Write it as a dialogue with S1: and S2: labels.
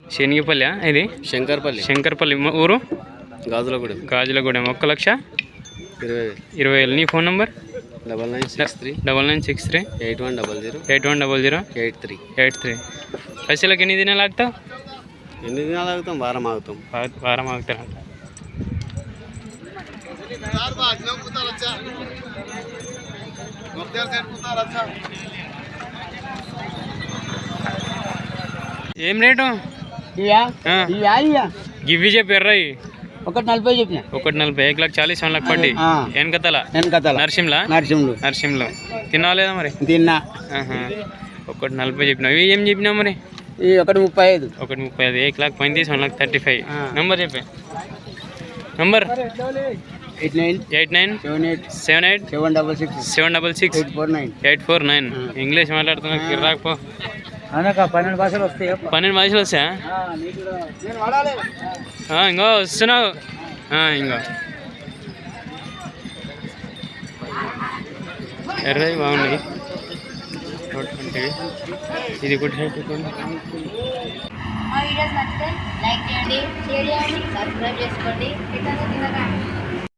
S1: శనిగిపల్లి ఇది శంకర్పల్లి ఊరు
S2: గాజులగూడెం
S1: 1,20,000. నీ ఫోన్ నంబర్
S2: 9963
S1: 8100 పైసలకి ఎన్ని దినాలు ఆగుతావు?
S2: ఎన్ని దినాలు ఆగుతాం? వారం
S1: ఆగుతారంట. ఏం రేటు గివ్వి చెప్పారా?
S3: 140 చెప్పిన.
S1: 140. 1,40,000 1 లక్ష పట్టి వెనకతల నర్సింలో తినాలేదా మరి?
S3: తిన్నా.
S1: 140 చెప్పినావు. ఇవి ఏం చెప్పినావు మరి?
S3: 135.
S1: 135. 1,35,000 1 35. నంబర్ చెప్పే. నంబర్ 8978766766 ఇంగ్లీష్ మాట్లాడుతున్నా రాకపో.
S3: 12 భాషలు వస్తాయి.
S1: 12 భాషలు వస్తాయా? ఇంకో వస్తున్నావు. ఇంకో ఎర్రవి బాగున్నాయి. ఇది కూడా
S4: మా వీడియోస్ నచ్చితే లైక్ చేయండి, షేర్ చేయండి, సబ్స్క్రైబ్ చేసుకోండి.